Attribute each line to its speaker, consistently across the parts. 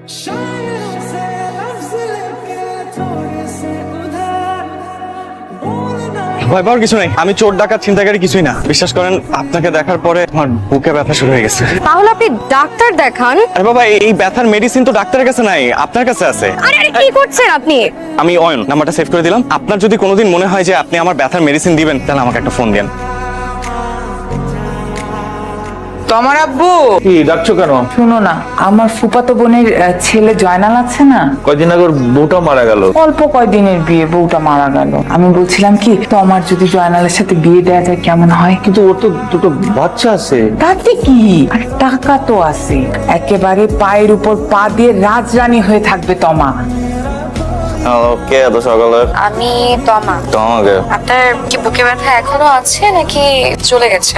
Speaker 1: ভয় পাওয়ার কিছু নাই, আমি চোর ডাকাত ছিনতাইকারী কিছুই না। বিশ্বাস করেন, আপনাকে দেখার পরে আমার বুকে ব্যথা শুরু হয়ে গেছে।
Speaker 2: তাহলে আপনি ডাক্তার দেখান।
Speaker 1: আরে বাবা, এই ব্যথার মেডিসিন তো ডাক্তারের কাছে নাই, আপনার কাছে আছে।
Speaker 2: আরে আরে কি করছেন আপনি?
Speaker 1: আমি অয়ন, নাম্বারটা সেভ করে দিলাম। আপনার যদি কোনোদিন মনে হয় যে আপনি আমার ব্যথার মেডিসিন দিবেন, তাহলে আমাকে একটা ফোন দেন।
Speaker 3: তোমার আব্বু
Speaker 4: কি ডাকছো কেন?
Speaker 3: শুনো না, আমার ফুফাতো বোনের ছেলে জয়নাল আছে না,
Speaker 4: কয়দিন আগে ওর বউটা মারা গেল।
Speaker 3: অল্প কয়দিনের বিয়ে, বউটা মারা গেল। আমি বলছিলাম কি, তোমার যদি জয়নালের সাথে বিয়ে দেওয়া যায় কেমন হয়?
Speaker 4: কিন্তু ওর তো দুটো বাচ্চা আছে।
Speaker 3: তাতে কি, আর টাকা তো আছে, একেবারে পায়ের উপর পা দিয়ে রাজরানী হয়ে থাকবে তমা।
Speaker 1: ওকে, এত সকালে?
Speaker 2: আমি তমা।
Speaker 1: তোমাকে
Speaker 2: আপনার কি বুকে ব্যথা এখনো আছে নাকি চলে গেছে?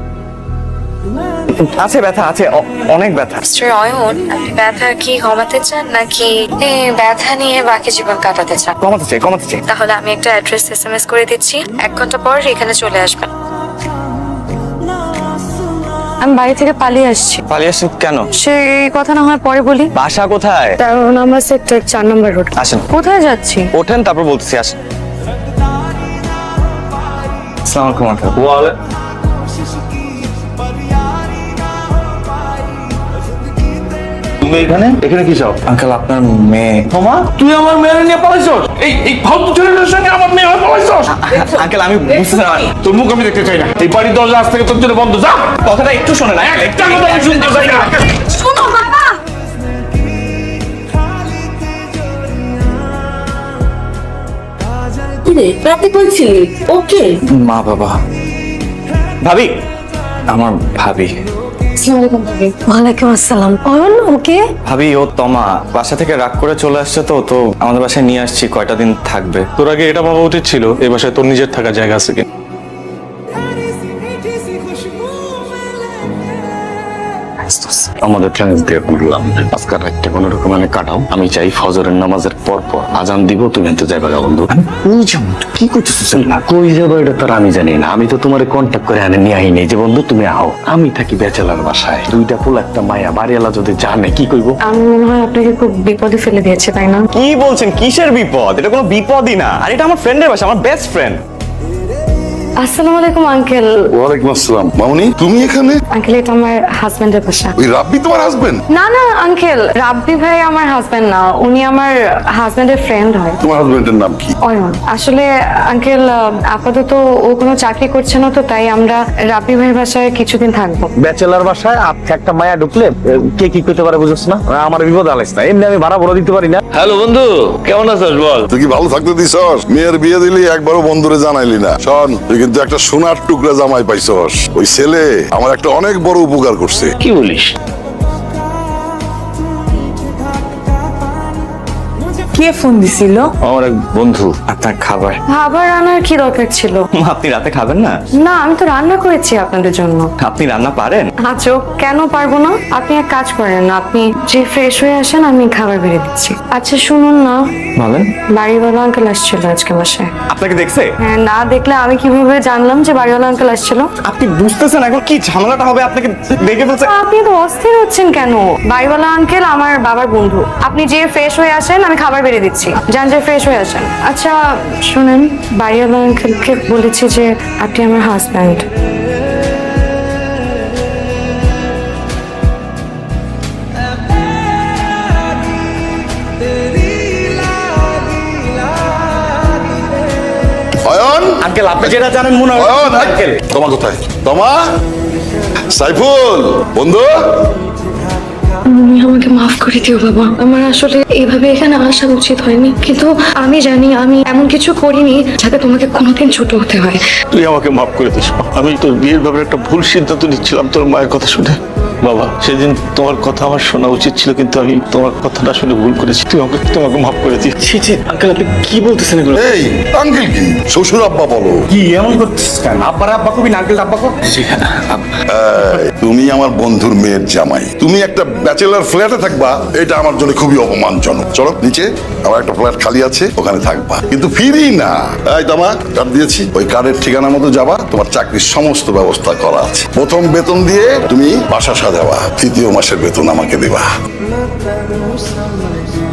Speaker 1: আছে, ব্যথা আছে, অনেক ব্যথা।
Speaker 2: মিস্টার অয়ন, আপনি ব্যথা কি কমাতে চান নাকি এই ব্যথা নিয়ে বাকি জীবন কাটাতে চান?
Speaker 1: কমাতে চাই, কমাতে চাই।
Speaker 2: তাহলে আমি একটা অ্যাড্রেস এসএমএস করে দিচ্ছি, 1 ঘন্টা পর এখানে চলে আসবেন। আমি বাড়ি থেকে পালিয়ে আসছি।
Speaker 1: পালিয়ে আসছেন কেন?
Speaker 2: সেই কথা না হয় পরে বলি।
Speaker 1: বাসা কোথায়?
Speaker 2: 13 নম্বর সেক্টর 4 নম্বর রোড।
Speaker 1: আসেন।
Speaker 2: কোথায় যাচ্ছি?
Speaker 1: ওঠেন, তারপর বলতেছি। আসেন। আসসালামু আলাইকুম আঙ্কেল।
Speaker 4: তুমি এখানে এখানে কি চাও?
Speaker 1: আঙ্কেল, আপনার মেয়ে।
Speaker 4: তোমা, তুই আমার মেয়ে নিয়ে পালাইছস? এই ফালতু ছেলেটার সঙ্গে আমার মেয়ে হয়ে পালাইছস?
Speaker 1: আঙ্কেল, আমি বুঝতে না।
Speaker 4: তোর মুখ আমি দেখতে চাই না। এই বাড়ির দরজা আজ থেকে তোর জন্য বন্ধ। যা,
Speaker 1: কথাটা একটু শোনে না।
Speaker 4: একটা কথা আমি শুনতে চাই না।
Speaker 2: শোনো বাবা।
Speaker 5: রাতে বলছিলি ওকে?
Speaker 1: মা বাবা, ভাবি, আমার ভাবি।
Speaker 2: ওয়ালাইকুম আসসালাম। অয়ন ওকে?
Speaker 1: ভাবি, ও তমা বাসা থেকে রাগ করে চলে আসছে, তো আমাদের বাসায় নিয়ে আসছি। কয়টা দিন থাকবে।
Speaker 6: তোর আগে এটা ভাবা উচিত ছিল এই বাসায় তোর নিজের থাকার জায়গা আছে কিনা।
Speaker 7: আমাদের চ্যালেঞ্জ দিয়ে বললাম আজকাল রাতটা কোনো রকম কাটাও। আমি চাই ফজরের নামাজের পর পর আজান দিব, তুমি এত যাইবা গা বন্ধু। কই যাবো? কি করতেছিস? না কই যাবো এটা তো আমি জানি না। আমি তো তোমার কন্ট্যাক্ট করে আনে নিয়ে আইনি যে বন্ধু তুমি আও। আমি থাকি ব্যাচেলার বাসায়, দুইটা পোলা একটা মায়া। বাড়িওয়ালা যদি জানে কি কইব?
Speaker 2: আমি মনে হয় আপনাকে খুব বিপদে ফেলে দিয়েছে, তাই না?
Speaker 1: কি বলছেন? কিসের বিপদ? এটা কোনো বিপদই না। আর এটা আমার ফ্রেন্ডের বাসা, আমার বেস্ট ফ্রেন্ড।
Speaker 2: আসসালামু আলাইকুম আঙ্কেল।
Speaker 8: ওয়ালাইকুম আসসালাম। মামুনি, তুমি এখানে?
Speaker 2: আঙ্কেল, এটা আমার হাজবেন্ডের বাসা।
Speaker 8: ওই রাব্বি তোমার হাজবেন্ড?
Speaker 2: না না আঙ্কেল, রাব্বি ভাই আমার হাজবেন্ড না, উনি আমার হাজবেন্ডের ফ্রেন্ড হয়।
Speaker 8: তোমার হাজবেন্ডের নাম কি?
Speaker 2: অয়ন। আসলে আঙ্কেল, আপাতত ও কোনো চাকরি করছে না, তো তাই আমরা রাব্বি ভাইয়ের বাসায় কিছুদিন থাকবো।
Speaker 4: ব্যাচেলার বাসায় আপনি একটা মায়া ঢুকলে কে কি করতে পারে বুঝছ না? আমার বিপদ আলাইস না। এমনি আমি ভাড়া বলে দিতে পারি না। হ্যালো বন্ধু, কেমন আছিস বল?
Speaker 8: তুই কি ভালো থাকতে দিছস? মেয়ের বিয়ে দিলি, একবারও বন্ধুরে জানাইলি না। শোন, তুই কিন্তু একটা সোনার টুকরা জামাই পাইছস। ওই ছেলে আমার একটা অনেক বড় উপকার করছে।
Speaker 4: কি বলিস?
Speaker 3: কে ফোন দিছিল?
Speaker 7: আমার এক বন্ধু।
Speaker 1: আপনার খাবার।
Speaker 2: খাবার আনার কি দরকার ছিল?
Speaker 1: আপনি রাতে খাবেন না?
Speaker 2: না, আমি তো রান্না করেছি আপনাদের জন্য।
Speaker 1: আপনি রান্না পারেন?
Speaker 2: আচ্ছা, কেন পারবো না? আপনি এক কাজ করেন, আপনি যে ফ্রেশ হয়ে আসেন, আমি খাবার বেড়ে দিচ্ছি। আচ্ছা শুনুন না,
Speaker 1: বলেন।
Speaker 2: বাড়িওয়ালা আঙ্কেল আসছিল আজকে বাসায়।
Speaker 1: আপনাকে দেখছে?
Speaker 2: হ্যাঁ, না দেখলে আমি কিভাবে জানলাম যে বাড়িওয়ালা আঙ্কেল আসছিল?
Speaker 1: আপনি বুঝতেছেন এখন কি ঝামেলাটা হবে? আপনাকে দেখে বলছে।
Speaker 2: আপনি তো অস্থির হচ্ছেন কেন? বাড়িওয়ালা আঙ্কেল আমার বাবার বন্ধু। আপনি যে ফ্রেশ হয়ে আসেন, আমি খাবার বেড়ে দিচ্ছি। যান, যে ফ্রেশ হয়ে আসেন। আচ্ছা শুনেন, বাড়িওয়ালা আঙ্কেলকে বলেছি যে আপনি আমার হাজব্যান্ড।
Speaker 8: অয়ন,
Speaker 1: আঙ্কেল, আপনি যেটা জানেন মনে হয়।
Speaker 8: অয়ন,
Speaker 1: আঙ্কেল,
Speaker 8: তোমা কোথায়? তোমা, সাইফুল বন্ধু।
Speaker 2: তুমি আমাকে মাফ করে দিও বাবা, আমার আসলে এইভাবে এখানে আসা উচিত হয়নি, কিন্তু আমি জানি আমি এমন কিছু করিনি যাতে তোমাকে কোনোদিন ছোট হতে হয়।
Speaker 6: তুই আমাকে মাফ করে দিস। আমি তোর বিয়ের ব্যাপারে একটা ভুল সিদ্ধান্ত নিচ্ছিলাম তোর মায়ের কথা শুনে। বাবা, সেদিন তোমার কথা আমার শোনা উচিত ছিল, কিন্তু আমি তোমার কথাটা শুনে ভুল করেছি। তোমাকে মাফ করে দিই।
Speaker 1: ছি ছি, আঙ্কেল, আপনি কি বলতেছেন এগুলো?
Speaker 8: এই আঙ্কেল কি? শ্বশুর আব্বা বলো।
Speaker 1: কি এমন করতেছেন কেন? আব্বার আব্বা কবি না, আঙ্কেল আব্বা কর।
Speaker 8: তুমি আমার বন্ধুর মেয়ের জামাই, তুমি একটা ব্যাচেলার ফ্ল্যাটে থাকবা, এটা আমার জন্য খুবই অপমানজনক। চলো নিচে, আমার একটা ফ্ল্যাট খালি আছে, ওখানে থাকবা, কিন্তু ফিরি না। এই তোমা, কার্ড দিয়েছি, ওই কার্ডের ঠিকানা মতো যাবা, তোমার চাকরির সমস্ত ব্যবস্থা করা আছে। প্রথম বেতন দিয়ে তুমি বাসা যাওয়া, তৃতীয় মাসের বেতন আমাকে দেবা।